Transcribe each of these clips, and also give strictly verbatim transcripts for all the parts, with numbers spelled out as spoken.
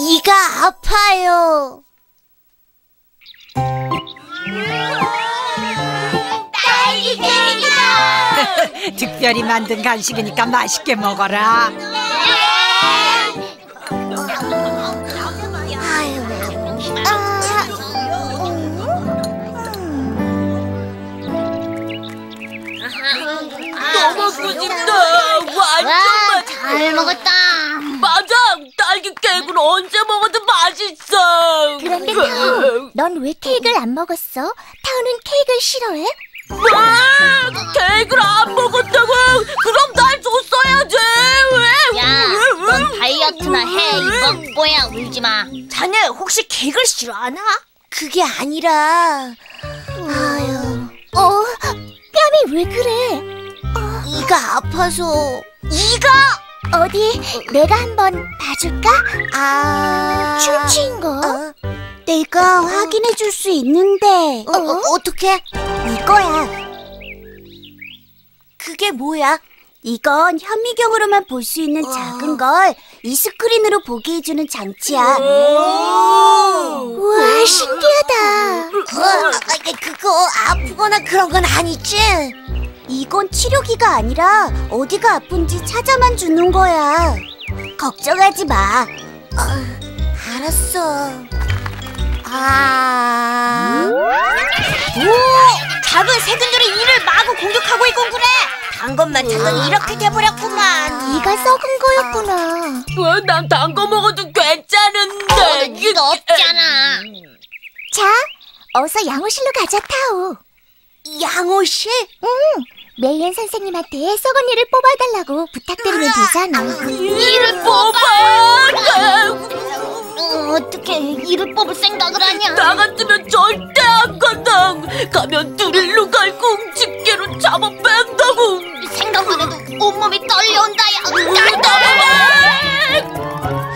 이가 아파요. 딸기 케이크다! 특별히 만든 간식이니까 맛있게 먹어라. 너무 맛있다. 완전 맛있어. 잘 먹었다. 맞아. 딸기 케이크는 언제 먹어도 맛있어. 그런데 타오, 넌 왜 케이크를 안 먹었어? 타오는 케이크를 싫어해? 뭐? 케이크를 안 먹었다고? 그럼 날 줬어야지. 왜? 야, 넌 다이어트나 해. 이 멍보야, 울지 마. 자네 혹시 케이크를 싫어하나? 그게 아니라. 아유, 어? 뺨이 왜 그래? 이가 아파서. 이가? 어디 내가 한번 봐줄까? 아. 충치인 거? 어? 내가 확인해 줄 수 있는데. 어, 어, 어떻게? 이거야. 그게 뭐야? 이건 현미경으로만 볼 수 있는 작은 걸 이 스크린으로 보게 해주는 장치야. 우와, 신기하다. 어, 그거 아프거나 그런 건 아니지? 이건 치료기가 아니라 어디가 아픈지 찾아만 주는 거야. 걱정하지 마. 어, 알았어. 아. 오! 작은 세균들이 이를 마구 공격하고 있군 그래. 단 것만 찾더니 이렇게 돼버렸구만. 이가 썩은 거였구나. 왜 난 단 거 먹어도 괜찮은데. 이가 없잖아. 자, 어서 양호실로 가자, 타오. 양호실? 응, 메이앤 선생님한테 썩은 이를 뽑아달라고 부탁드리면 되잖아. 이를 뽑아. 어떻게 이를 뽑을 생각을 하냐? 나 같으면 절대 안 간다. 가면 드릴로 갈고 집게로 잡아 뺀다고. 생각만 해도 온몸이 떨려온다. 난 따라와.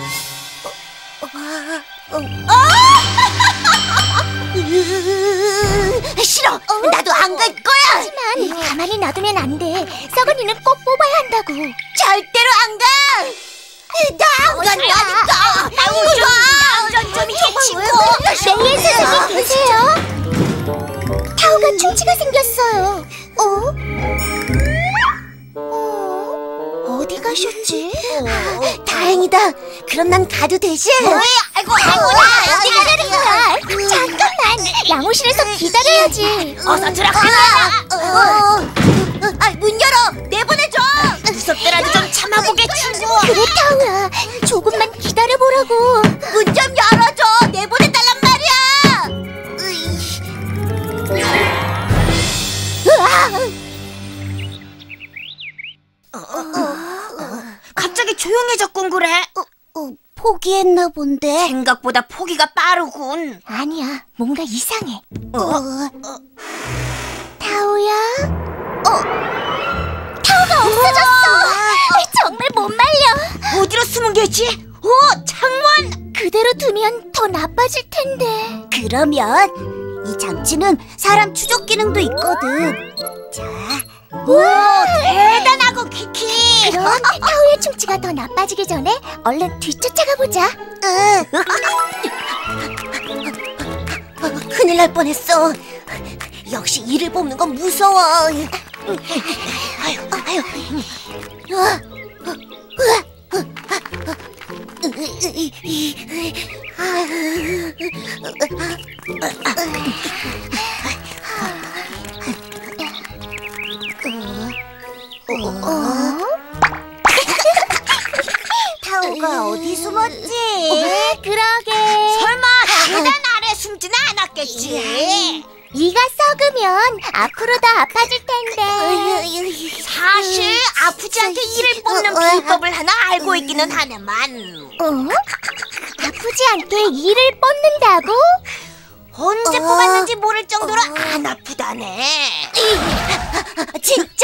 싫어. 나도 안 갈 거야. 하지만 가만히 놔두면 안 돼. 썩은 이는 꼭 뽑아야 한다고. 절대로 안 가. 나 안 간다니까. 남전 좀 해치고. 메이앤 선생님 계세요? 타오가 충치가 생겼어요. 어? 어? 어디 가셨지? 다행이다. 그럼 난 가도 되지? 뭐야? 아이고, 아이고, 어디 가는 거야? 잠깐만, 양호실에서 기다려야지. 어서 들어가. 어, 어, 아, 문 열어. 내보내줘. 무섭더라도 좀 참아보게 친구. 그래, 타오야. 조금만 기다려보라고. 문 좀 열어줘. 내보내달란 말이야. 으이. 으아! 갑자기 조용해졌군 그래. 어, 어, 포기했나 본데. 생각보다 포기가 빠르군. 아니야, 뭔가 이상해. 어? 타오야? 어? 타오가 없어졌어! 정말 못 말려! 어디로 숨은 게지? 오, 창문! 그대로 두면 더 나빠질 텐데. 그러면 이 장치는 사람 추적 기능도 있거든. 자, 오, 대단하고 키키. 그럼 타오의 충치가 더 나빠지기 전에 얼른 뒤쫓아가 보자. 으. 어, 큰일 날 뻔했어. 역시 이를 뽑는 건 무서워. 아유, 아유. 으아, 으아, 어? 타오가 어디 숨었지? 그러게. 설마 계단 아래 숨지는 않았겠지? 이가 썩으면 앞으로 더 아파질 텐데. 사실 아프지 않게 이를 뽑는 비법을 하나 알고 있기는 하네만. 어? 아프지 않게 이를 뽑는다고? 언제 어. 뽑았는지 모를 정도로 안 아프다네. 진짜?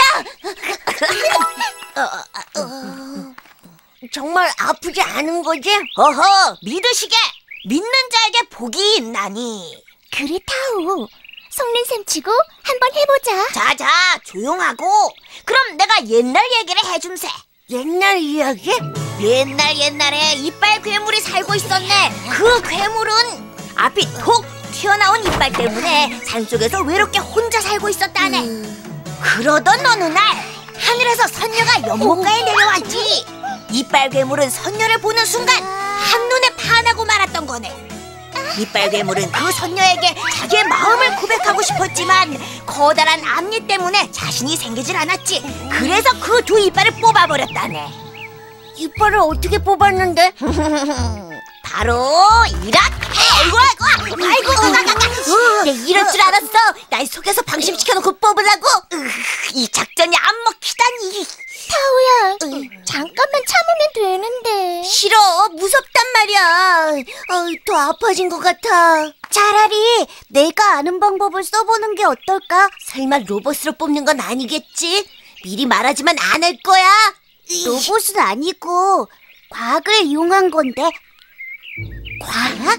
어, 정말 아프지 않은 거지? 어허, 믿으시게. 믿는 자에게 복이 있나니. 그래, 타오. 속는 셈 치고 한번 해보자. 자자, 조용하고. 그럼 내가 옛날 얘기를 해줌세. 옛날 이야기? 옛날 옛날에 이빨 괴물이 살고 있었네. 그 괴물은 앞이 톡 튀어나온 이빨 때문에 산속에서 외롭게 혼자 살고 있었다네. 음. 그러던 어느 날 하늘에서 선녀가 연못가에 내려왔지. 이빨 괴물은 선녀를 보는 순간 한눈에 반하고 말았던 거네. 이빨 괴물은 그 선녀에게 자기의 마음을 고백하고 싶었지만 커다란 앞니 때문에 자신이 생기질 않았지. 그래서 그 두 이빨을 뽑아버렸다네. 이빨을 어떻게 뽑았는데? 바로 이렇게. 아이고 아이고 아이고 아이고. 내 이럴 줄 알았어. 날 속여서 방심시켜놓고 뽑으라고. 으, 이 작전이 안 먹히다니. 타오야, 잠깐만 참으면 되는데. 싫어, 무섭단 말이야. 어, 더 아파진 것 같아. 차라리 내가 아는 방법을 써보는 게 어떨까? 설마 로봇으로 뽑는 건 아니겠지? 미리 말하지만 안 할 거야. 로봇은 아니고 과학을 이용한 건데. 과학?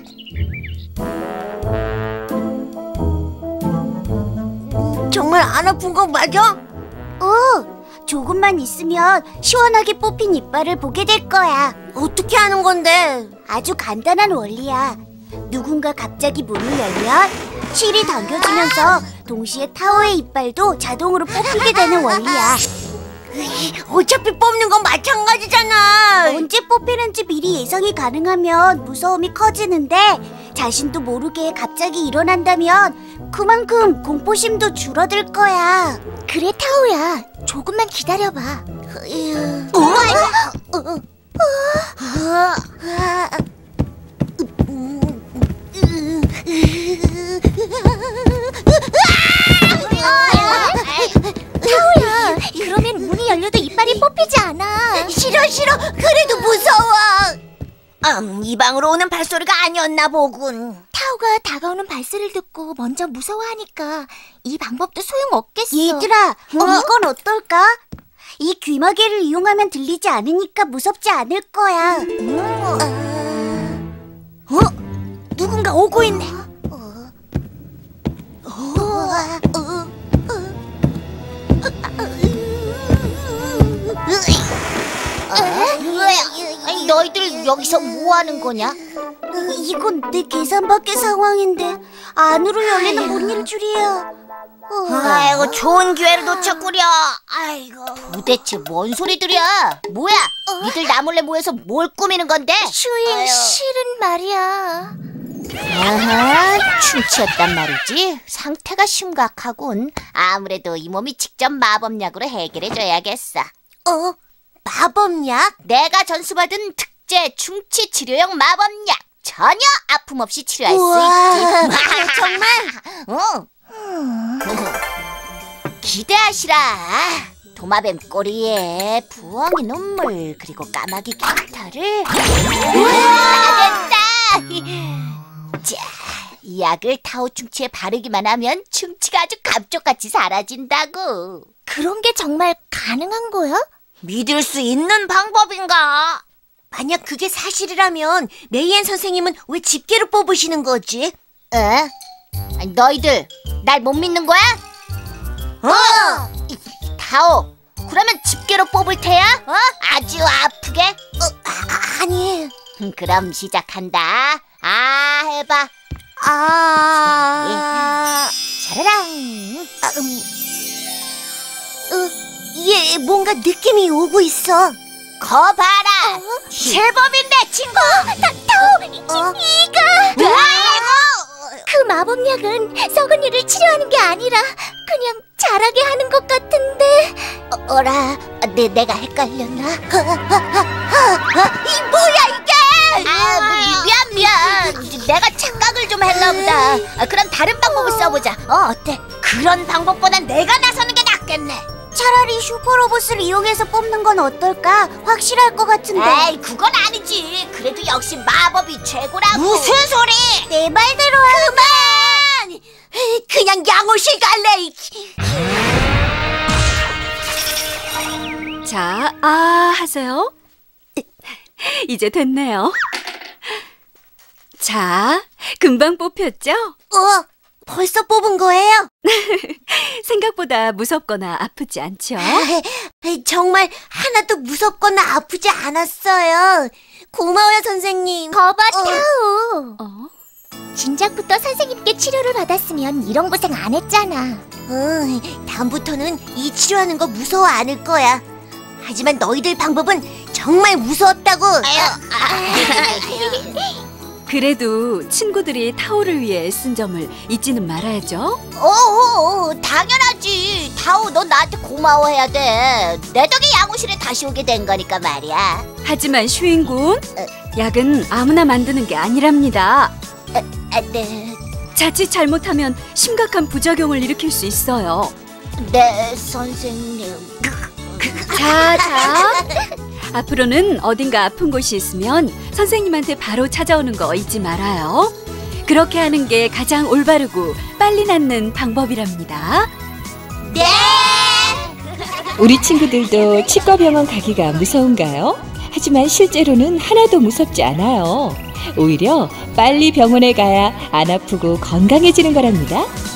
정말 안 아픈 거 맞아? 어. 조금만 있으면 시원하게 뽑힌 이빨을 보게 될 거야. 어떻게 하는 건데? 아주 간단한 원리야. 누군가 갑자기 문을 열면 실이 당겨지면서 동시에 타오의 이빨도 자동으로 뽑히게 되는 원리야. 어차피 뽑는 건 마찬가지잖아. 언제 뽑히는지 미리 예상이 가능하면 무서움이 커지는데 자신도 모르게 갑자기 일어난다면 그만큼 공포심도 줄어들 거야. 그래, 타오야. 조금만 기다려봐. 어? 어? 어? 타오야, 그러면 문이 열려도 이빨이 뽑히지 않아. 싫어 싫어. 그래도 무서워. 음, 이 방으로 오는 발소리가 아니었나 보군. 타오가 다가오는 발소리를 듣고 먼저 무서워하니까 이 방법도 소용없겠어. 얘들아, 어? 이건 어떨까? 이 귀마개를 이용하면 들리지 않으니까 무섭지 않을 거야. 음. 어? 누군가 오고 있네. 어? 어? 어? 어? 아니, 너희들 여기서 뭐 하는 거냐? 이건 내 계산 밖의 상황인데 안으로 열리는 문일 줄이야. 어. 아이고, 좋은 기회를 놓쳤구려. 아이고, 도대체 뭔 소리들이야? 뭐야? 니들 나 몰래 모여서 뭘 꾸미는 건데? 슈잉, 실은 말이야. 아하, 춤추었단 말이지? 상태가 심각하군. 아무래도 이 몸이 직접 마법약으로 해결해줘야겠어. 어? 마법약? 내가 전수받은 특제 충치 치료용 마법약. 전혀 아픔 없이 치료할 우와, 수 있지. 정말? 어. 기대하시라. 도마뱀 꼬리에 부엉이 눈물 그리고 까마귀 깃털을. 우와, 됐다. 자, 이 약을 타오 충치에 바르기만 하면 충치가 아주 감쪽같이 사라진다고. 그런 게 정말 가능한 거야? 믿을 수 있는 방법인가? 만약 그게 사실이라면 메이앤 선생님은 왜 집게로 뽑으시는 거지? 에? 아니, 너희들 날 못 믿는 거야? 어! 이, 타오, 그러면 집게로 뽑을 테야? 어? 아주 아프게? 어, 아, 아니. 그럼 시작한다. 아, 해봐. 아, 차라랑. 아, 음. 어, 얘 뭔가 느낌이 오고 있어. 거 봐라. 어? 제법인데 친구. 타, 타오, 어? 이가. 아이고. 그 마법약은 썩은 이를 치료하는 게 아니라 그냥 자라게 하는 것 같은데. 어, 어라, 내, 내가 헷갈렸나? 이 뭐야 이게? 아, 미, 미안 미안. 내가 착각을 좀 했나 보다. 아, 그럼 다른 방법을 써보자. 어, 어때? 그런 방법보단 내가 나서는 게 낫겠네. 차라리 슈퍼로봇을 이용해서 뽑는 건 어떨까? 확실할 것 같은데. 에이, 그건 아니지. 그래도 역시 마법이 최고라고. 무슨 소리? 내 말대로 하는 그만! 그냥 양호실 갈래. 자, 아 하세요. 이제 됐네요. 자, 금방 뽑혔죠? 어, 벌써 뽑은 거예요? 생각보다 무섭거나 아프지 않죠? 정말 하나도 무섭거나 아프지 않았어요. 고마워요, 선생님. 거봐, 어. 타오. 어? 진작부터 선생님께 치료를 받았으면 이런 고생 안 했잖아. 응, 다음부터는 이 치료하는 거 무서워 않을 거야. 하지만 너희들 방법은 정말 무서웠다고. 그래도 친구들이 타오를 위해 애쓴 점을 잊지는 말아야죠. 오, 당연하지. 타오, 넌 나한테 고마워해야 돼. 내 덕에 양호실에 다시 오게 된 거니까 말이야. 하지만 슈인군, 약은 아무나 만드는 게 아니랍니다. 아, 네, 자칫 잘못하면 심각한 부작용을 일으킬 수 있어요. 네, 선생님. 자, 자. 앞으로는 어딘가 아픈 곳이 있으면 선생님한테 바로 찾아오는 거 잊지 말아요. 그렇게 하는 게 가장 올바르고 빨리 낫는 방법이랍니다. 네. 우리 친구들도 치과병원 가기가 무서운가요? 하지만 실제로는 하나도 무섭지 않아요. 오히려 빨리 병원에 가야 안 아프고 건강해지는 거랍니다.